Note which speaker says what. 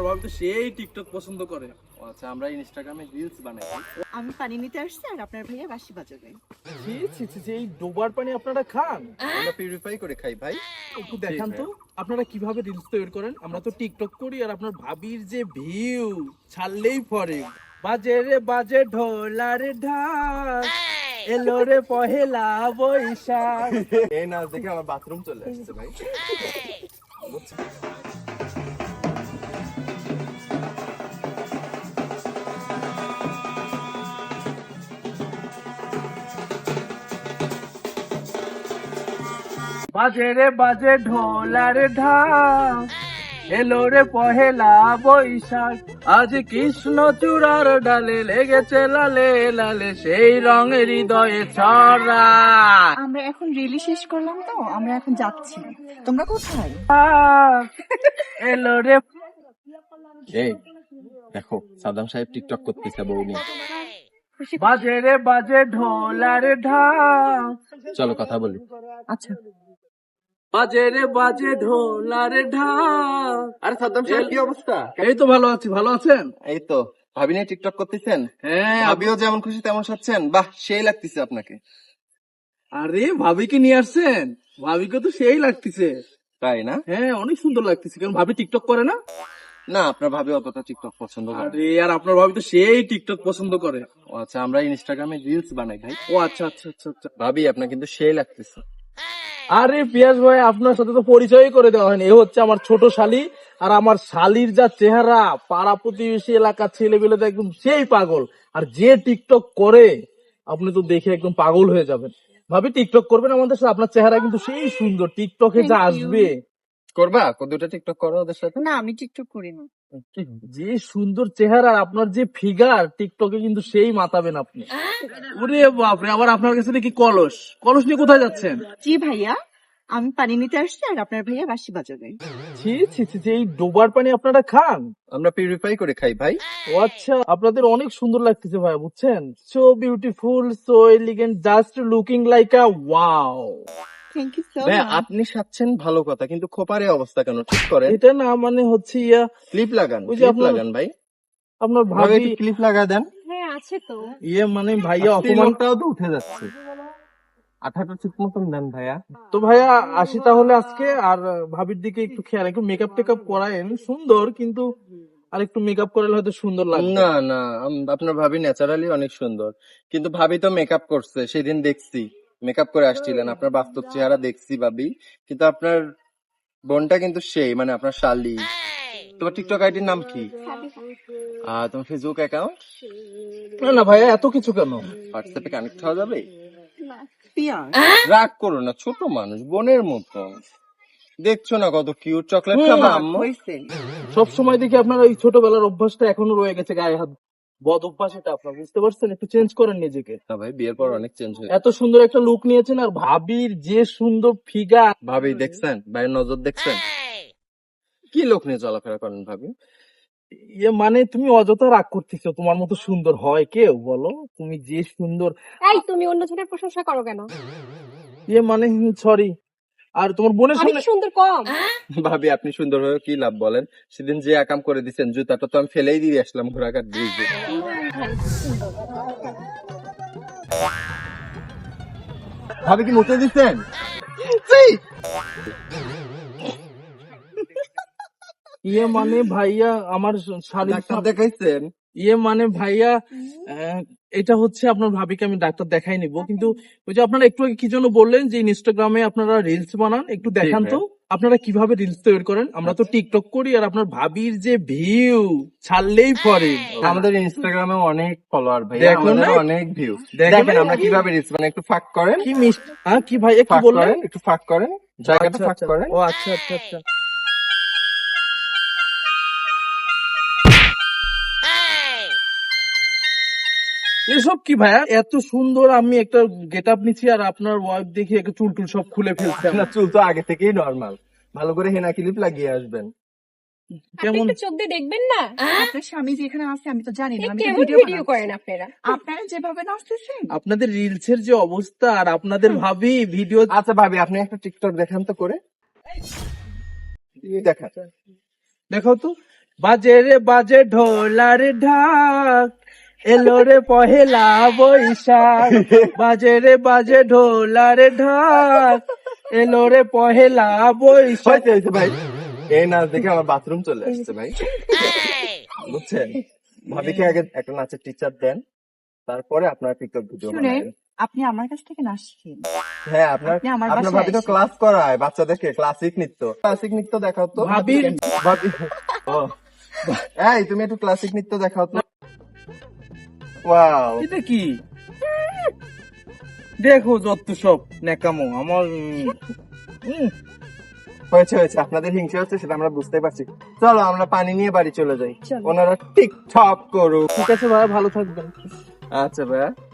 Speaker 1: ভাবি তো সেই টিকটক পছন্দ করে।
Speaker 2: আচ্ছা, আমরা ইনস্টাগ্রামে রিলস বানাই।
Speaker 3: আমি পানি নিতে আসছি আর আপনার ভাইয়া বাঁশি বাজাবে।
Speaker 1: ছি ছি ছি ছি, এই ডোবার পানি আপনারা খান?
Speaker 2: আমরা পিউরিফাই করে খাই ভাই।
Speaker 1: একটু দেখান তো আপনারা কিভাবে রিলস তৈরি করেন। আমরা তো টিকটক করি আর আপনার ভাবির যে ভিউ ছাড়লেই পরে। বাজে রে বাজে ঢোলার ঢাক, এলো রে পহেলা বৈশাখ।
Speaker 2: এই নাচ দেখে আমার বাথরুম চলে আসছে ভাই।
Speaker 1: বাজে রে বাজে ঢোলার ঢাক, এলো রে পহেলা বৈশাখ। আজ কৃষ্ণ চূড়ার ডালে লেগেছে লালে লালে সেই রঙের হৃদয়ে ছড়া।
Speaker 3: আমরা এখন রিলি শেষ করলাম তো, আমরা এখন যাচ্ছি। তোমরা কোথায়?
Speaker 1: এলো রে।
Speaker 2: এই দেখো, সাদ্দাম সাহেব টিকটক করতেছে বউ নিয়ে।
Speaker 1: বাজে রে বাজে ঢোলার ঢাক।
Speaker 2: চলো কথা বলি।
Speaker 3: আচ্ছা,
Speaker 1: বাজে রে বাজে ঢোলার ঢাক।
Speaker 2: আরে সাদ্দাম সাহেব, কি অবস্থা?
Speaker 1: এই তো ভালো আছি, ভালো আছেন?
Speaker 2: এই তো ভাবি নিয়ে টিকটক করতেছেন।
Speaker 1: হ্যাঁ।
Speaker 2: ভাবিও যেমন খুশি তেমন সাচ্ছেন। বাহ, সেই লাগতেছে আপনাকে।
Speaker 1: আরে ভাবিকে নিয়ে আসছেন? ভাবিকে তো সেই লাগতেছে।
Speaker 2: তাই না?
Speaker 1: হ্যাঁ, অনেক সুন্দর লাগতেছে। কারণ ভাবি টিকটক করে না?
Speaker 2: না, আপনার ভাবি অতটা টিকটক পছন্দ করে না।
Speaker 1: আরে আর আপনার ভাবি তো সেই টিকটক পছন্দ করে।
Speaker 2: ও আচ্ছা, আমরা ইনস্টাগ্রামে রিলস বানাই ভাই।
Speaker 1: ও আচ্ছা আচ্ছা আচ্ছা আচ্ছা।
Speaker 2: ভাবি আপনার কিন্তু সেই লাগতেছে।
Speaker 1: আরে পিয়াস ভাই, আপনার সাথে তো পরিচয় করে দেওয়া হয়নি। এ হচ্ছে আমার ছোট শালি। আর আমার শালির যা চেহারা, পাড়া প্রতিবেশী এলাকার ছেলেবেলে তো একদম সেই পাগল। আর যে টিকটক করে আপনি তো দেখে একদম পাগল হয়ে যাবেন। ভাবি টিকটক করবেন আমাদের সাথে? আপনার চেহারা কিন্তু সেই সুন্দর, টিকটকে যা
Speaker 3: Thank you.
Speaker 1: আসবে।
Speaker 2: করবা দুটা টিকটক করো ওদের সাথে।
Speaker 3: না আমি টিকটক করি না।
Speaker 1: যে সুন্দর চেহারা, আপনার যে ফিগার, টিকটকে কিন্তু সেই মাতাবেন আপনি। ওরে বাপরে, আবার আপনার কাছে নাকি কলস। কলস নিয়ে কোথায় যাচ্ছেন?
Speaker 3: জি ভাইয়া, আমি পানি নিতে আসছি আর আপনার ভাইয়া বাঁশি বাজাবে।
Speaker 1: ছি ছি ছি ছি, এই ডোবার পানি আপনারা খান?
Speaker 2: আমরা পিউরিফাই করে খাই ভাই।
Speaker 1: ও আচ্ছা, আপনাদের অনেক সুন্দর লাগতেছে ভাই, বুঝছেন? So beautiful, so elegant, just looking like a wow.
Speaker 3: Thank you so
Speaker 2: ভাই
Speaker 3: মাচ।
Speaker 2: আপনি সাচ্ছেন ভালো কথা, কিন্তু খোপারে অবস্থা কেন? ঠিক করেন,
Speaker 1: এটা না মানে হচ্ছে ইয়া,
Speaker 2: ক্লিপ লাগান,
Speaker 1: ওই যে
Speaker 2: ক্লিপ
Speaker 1: আপনার-
Speaker 2: লাগান ভাই।
Speaker 1: আপনার
Speaker 2: ভাবে
Speaker 1: ভাবি
Speaker 2: একটু ক্লিপ লাগা দেন।
Speaker 3: হ্যাঁ আছে তো।
Speaker 1: ইয়ে মানে ভাইয়া অপমান।
Speaker 2: অপমানটাও তো উঠে যাচ্ছে। আঠাটা ঠিক মতন দেন ভাইয়া।
Speaker 1: তো ভাইয়া আসি তাহলে আজকে। আর ভাবির দিকে একটু খেয়াল, একটু মেকআপ টেকআপ করায়েন। সুন্দর, কিন্তু আর একটু মেকআপ করালে হয়তো সুন্দর লাগবে।
Speaker 2: না না, আপনার ভাবি ন্যাচারালি অনেক সুন্দর, কিন্তু ভাবি তো মেকআপ করছে, সেদিন দেখছি মেকআপ করে আসছিলেন। আপনার বাস্তব চেহারা দেখছি ভাবি, কিন্তু আপনার বোনটা কিন্তু সেই, মানে আপনার শালি। তোমার টিকটক আইডির নাম কি? তোমার ফেসবুক অ্যাকাউন্ট?
Speaker 1: না না ভাইয়া, এত কিছু কেন?
Speaker 2: হোয়াটসঅ্যাপে কানেক্ট হওয়া যাবে?
Speaker 3: পিয়া,
Speaker 2: রাগ করো না, ছোট মানুষ, বোনের মতো। দেখছো না কত কিউট, চকলেট
Speaker 1: হুম,
Speaker 2: খাবা আম্মু?
Speaker 3: হয়েছে।
Speaker 1: সব সময় দেখি আপনার ওই ছোটবেলার অভ্যাসটা এখনো রয়ে গেছে, গায়ে হাত বদ অভ্যাস। এটা আপনার বুঝতে পারছেন? একটু চেঞ্জ করেন নিজেকে।
Speaker 2: না ভাই, বিয়ের পর অনেক চেঞ্জ হয়েছে।
Speaker 1: এত সুন্দর একটা লুক নিয়েছেন, আর ভাবির যে সুন্দর ফিগার।
Speaker 2: ভাবি দেখছেন, ভাইয়ের নজর দেখছেন? কি লোক নিয়ে চলাফেরা করেন ভাবি?
Speaker 1: ইয়ে মানে তুমি অযথা রাগ করতেছো। তোমার মতো সুন্দর হয় কেউ বলো? তুমি যে সুন্দর।
Speaker 4: এই তুমি অন্যজনের প্রশংসা করো কেন?
Speaker 1: ইয়ে মানে সরি। আর তোমার বোনের
Speaker 4: আমি
Speaker 1: সামনে
Speaker 4: কি সুন্দর কম?
Speaker 2: ভাবি আপনি সুন্দর হয়ে কি লাভ বলেন? সেদিন যে আকাম করে দিচ্ছেন, জুতাটা তো আমি ফেলেই দিয়ে আসলাম ঘোড়াঘাট ব্রিজে। ভাবি কি মুতে দিচ্ছেন?
Speaker 1: ইয়ে মানে ভাইয়া আমার শাড়ি।
Speaker 2: ডাক্তার দেখাইছেন?
Speaker 1: ইয়ে মানে ভাইয়া এটা হচ্ছে আপনার ভাবিকে আমি ডাক্তার দেখাই নিব, কিন্তু ওই যে আপনারা একটু আগে কি জন্য বললেন যে ইনস্টাগ্রামে আপনারা রিলস বানান, একটু দেখান তো আপনারা কিভাবে রিলস তৈরি করেন। আমরা তো টিকটক করি আর আপনার ভাবির যে ভিউ ছাড়লেই পরে।
Speaker 2: আমাদের ইনস্টাগ্রামে অনেক ফলোয়ার ভাই,
Speaker 1: দেখো না?
Speaker 2: আমাদের অনেক ভিউ।
Speaker 1: দেখো
Speaker 2: দেখেন
Speaker 1: না?
Speaker 2: আমরা কিভাবে রিলস বানাই, একটু ফাঁক করেন,
Speaker 1: কি মিষ্টি। হ্যাঁ কি ভাই, একটু
Speaker 2: ফাঁক
Speaker 1: বললেন?
Speaker 2: করেন, একটু ফাঁক করেন, জায়গাটা
Speaker 1: আচ্ছা,
Speaker 2: ফাঁক
Speaker 1: আচ্ছা।
Speaker 2: করেন।
Speaker 1: ও আচ্ছা আচ্ছা আচ্ছা। এসব কি ভাইয়া? এত সুন্দর আমি একটা গেট আপ নিচ্ছি আর আপনার ওয়াইফ দেখি একটা চুল টুল সব খুলে ফেলছে।
Speaker 2: না, চুল তো আগে থেকেই নরমাল। ভালো করে হেনা ক্লিপ লাগিয়ে আসবেন।
Speaker 4: আপনি
Speaker 1: কেমন?
Speaker 4: একটু চোখ দিয়ে দেখবেন না?
Speaker 3: আপনার স্বামী যে এখানে আছে আমি তো জানি না।
Speaker 4: এ
Speaker 3: আমি তো
Speaker 4: কেমন
Speaker 3: ভিডিও
Speaker 4: ভিডিও করেন আপনারা?
Speaker 3: আপনারা যেভাবে নাচতেছেন,
Speaker 1: আপনাদের রিলসের যে অবস্থা আর আপনাদের ভাবি ভিডিও।
Speaker 2: আচ্ছা ভাবি, আপনি একটা টিকটক দেখান তো করে। দেখান।
Speaker 1: দেখাও তো। বাজে রে বাজে ঢোলার ঢাক, এলো রে পহেলা বৈশাখ। বাজে রে বাজে ঢোলার ঢাক, এলো রে পহেলা বৈশাখ।
Speaker 2: হয়েছে ভাই, এই নাচ দেখে আমার বাথরুম চলে আসছে ভাই, বুঝছেন? ভাবিকে আগে একটা নাচের টিচার দেন, তারপরে আপনার টিকটক ভিডিও
Speaker 3: শুনেন,
Speaker 2: বানাবেন।
Speaker 3: আপনি আমার কাছ থেকে নাচ শিখেন।
Speaker 2: হ্যাঁ, আপনার
Speaker 3: আপনি আমার
Speaker 2: আপনার
Speaker 3: বাসায়
Speaker 2: ভাবি তো
Speaker 3: আসেন।
Speaker 2: ক্লাস করায় বাচ্চাদেরকে, ক্লাসিক নৃত্য দেখাও তো।
Speaker 1: ভাবির
Speaker 2: ভাবি, ও এই তুমি একটু ক্লাসিক নৃত্য দেখাও তো। ওয়াও,
Speaker 1: এটা কি দেখো যত সব নেকামো আমার
Speaker 2: হয়েছে হয়েছে, আপনাদের হিংসা হচ্ছে সেটা আমরা বুঝতে পারছি। চলো আমরা পানি নিয়ে বাড়ি চলে যাই,
Speaker 3: চলো।
Speaker 2: ওনারা টিকটক করুক।
Speaker 1: ঠিক আছে ভাই, ভালো থাকবেন।
Speaker 2: আচ্ছা ভাইয়া।